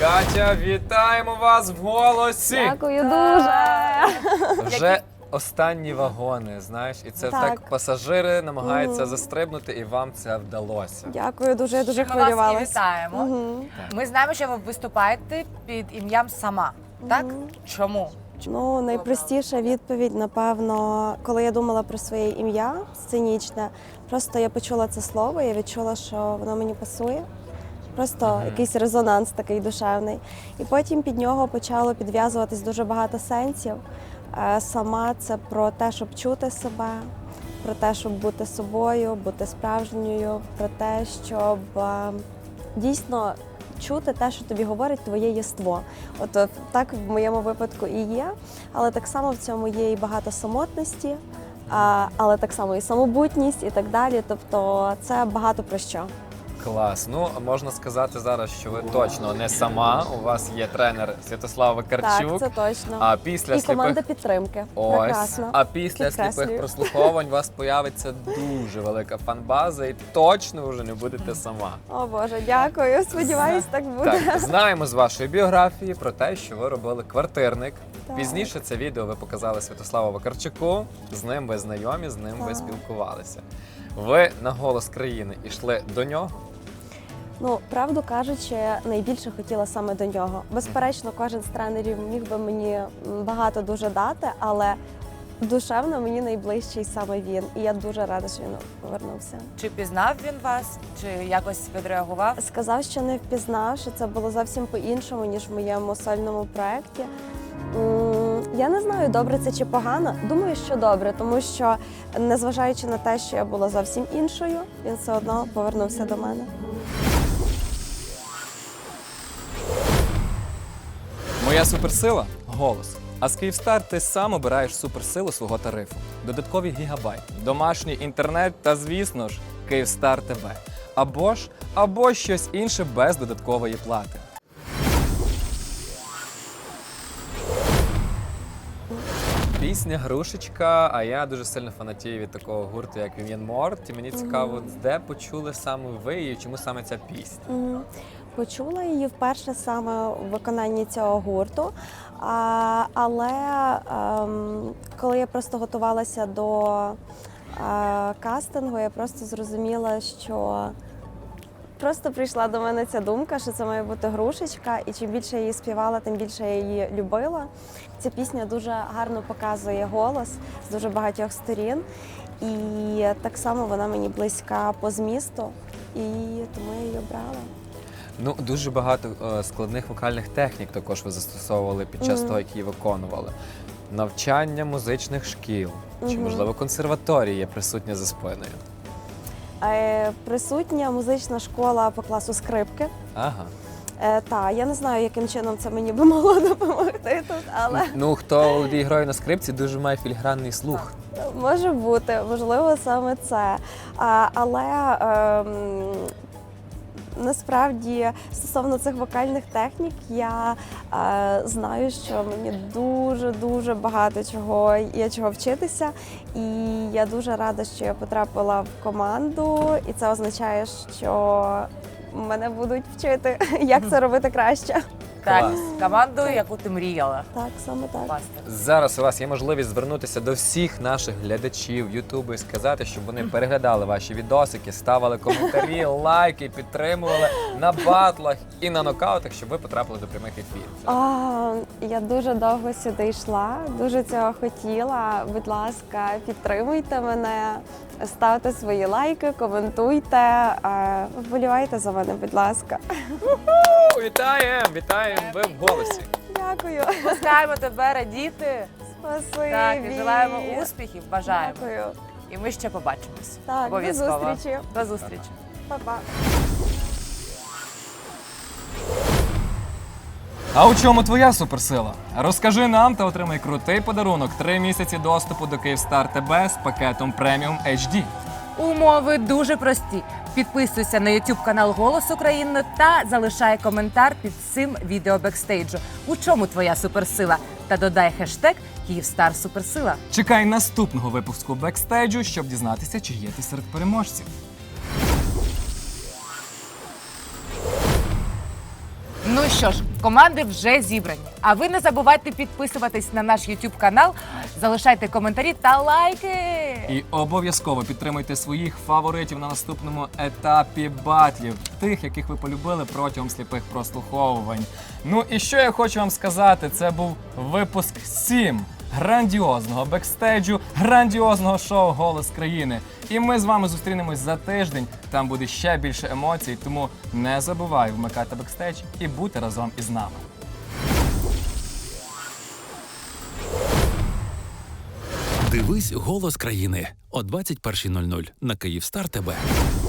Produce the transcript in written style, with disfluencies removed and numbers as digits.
Катя, вітаємо вас в «Голосі». Дякую дуже. Вже останні вагони, знаєш, і це так пасажири намагаються застрибнути, і вам це вдалося. Дякую дуже, я дуже Ми вас і хвилювалась. вітаємо. Ми знаємо, що ви виступаєте під ім'ям «Сама». Так? Чому? Ну, найпростіша відповідь, напевно, коли я думала про своє ім'я сценічне, просто я почула це слово, я відчула, що воно мені пасує. Просто якийсь резонанс такий душевний. І потім під нього почало підв'язуватись дуже багато сенсів. Сама це про те, щоб чути себе, про те, щоб бути собою, бути справжньою, про те, щоб дійсно чути те, що тобі говорить твоє єство. От так в моєму випадку і є, але так само в цьому є і багато самотності, але так само і самобутність і так далі. Тобто це багато про що. Клас. Ну, можна сказати зараз, що ви точно не сама. У вас є тренер Святослав Вакарчук. Так, це точно. А після І команда підтримки. Ось. Прекрасно. А після Підкреслюю. сліпих прослуховувань у вас появиться дуже велика фан-база, і точно вже не будете сама. О Боже, дякую. Сподіваюсь, так буде. Так, знаємо з вашої біографії про те, що ви робили «Квартирник». Так. Пізніше це відео ви показали Святославу Вакарчуку, з ним ви знайомі, з ним ви спілкувалися. Ви на «Голос країни» йшли до нього? Ну, правду кажучи, найбільше хотіла саме до нього. Безперечно, кожен з тренерів міг би мені багато дуже дати, але душевно мені найближчий саме він. І я дуже рада, що він повернувся. Чи пізнав він вас, чи якось відреагував? Сказав, що не впізнав, що це було зовсім по-іншому, ніж в моєму сольному проєкті. Я не знаю, добре це чи погано. Думаю, що добре, тому що, незважаючи на те, що я була зовсім іншою, він все одно повернувся до мене. Моя суперсила – голос. А з Київстар ти сам обираєш суперсилу свого тарифу. Додаткові гігабайти, домашній інтернет та, звісно ж, Київстар ТВ. Або щось інше без додаткової плати. Пісня «Грушечка», а я дуже сильно фанатію від такого гурту, як Вів'єн Морт. І мені цікаво, де почули саме ви і чому саме ця пісня? Почула її вперше саме у виконанні цього гурту, але коли я просто готувалася до кастингу, я просто зрозуміла, що просто прийшла до мене ця думка, що це має бути «Грушечка», і чим більше я її співала, тим більше я її любила. Ця пісня дуже гарно показує голос з дуже багатьох сторін, і так само вона мені близька по змісту, і тому я її обрала. Ну, дуже багато складних вокальних технік також ви застосовували під час того, як її виконували. Навчання музичних шкіл, чи, можливо, консерваторії є присутня за спиною? Присутня музична школа по класу скрипки. Ага. Так, я не знаю, яким чином це мені би могло допомогти тут, але Ну, хто володіє грою на скрипці, дуже має філігранний слух. може бути, можливо, саме це. Але насправді, стосовно цих вокальних технік, я знаю, що мені дуже багато чого вчитися. І я дуже рада, що я потрапила в команду, і це означає, що мене будуть вчити, як це робити краще. Так, Клас. команду, яку ти мріяла. Так, саме так. Попасти. Зараз у вас є можливість звернутися до всіх наших глядачів Ютубу і сказати, щоб вони переглядали ваші відосики, ставили коментарі, лайки, підтримували на батлах і на нокаутах, щоб ви потрапили до прямих ефірів. Я дуже довго сюди йшла, дуже цього хотіла. Будь ласка, підтримуйте мене, ставте свої лайки, коментуйте, вболівайте за мене, будь ласка. Вітаємо! Вітаємо! Ви в «Голосі». Дякую. Пускаємо тебе радіти. Спасибі. Так, і желаємо успіхів, бажаємо. Дякую. І ми ще побачимось. Так, до Обов'язково. зустрічі. До зустрічі. Па-па. А у чому твоя суперсила? Розкажи нам та отримай крутий подарунок – 3 місяці доступу до Київстар ТБ з пакетом Преміум HD. Умови дуже прості. Підписуйся на YouTube канал «Голос України» та залишай коментар під цим відео бекстейджу. У чому твоя суперсила? Та додай хештег «Київстар Суперсила». Чекай наступного випуску бекстейджу, щоб дізнатися, чи є ти серед переможців. Ну Ну що ж, команди вже зібрані. А ви не забувайте підписуватись на наш YouTube канал, залишайте коментарі та лайки. І обов'язково підтримуйте своїх фаворитів на наступному етапі батлів, тих, яких ви полюбили протягом сліпих прослуховувань. Ну і що я хочу вам сказати, це був випуск 7 грандіозного бекстейджу, грандіозного шоу «Голос країни». І ми з вами зустрінемось за тиждень, там буде ще більше емоцій, тому не забувай вмикати бекстейдж і бути разом із нами. Дивись «Голос країни» о 21:00 на Київстар ТВ.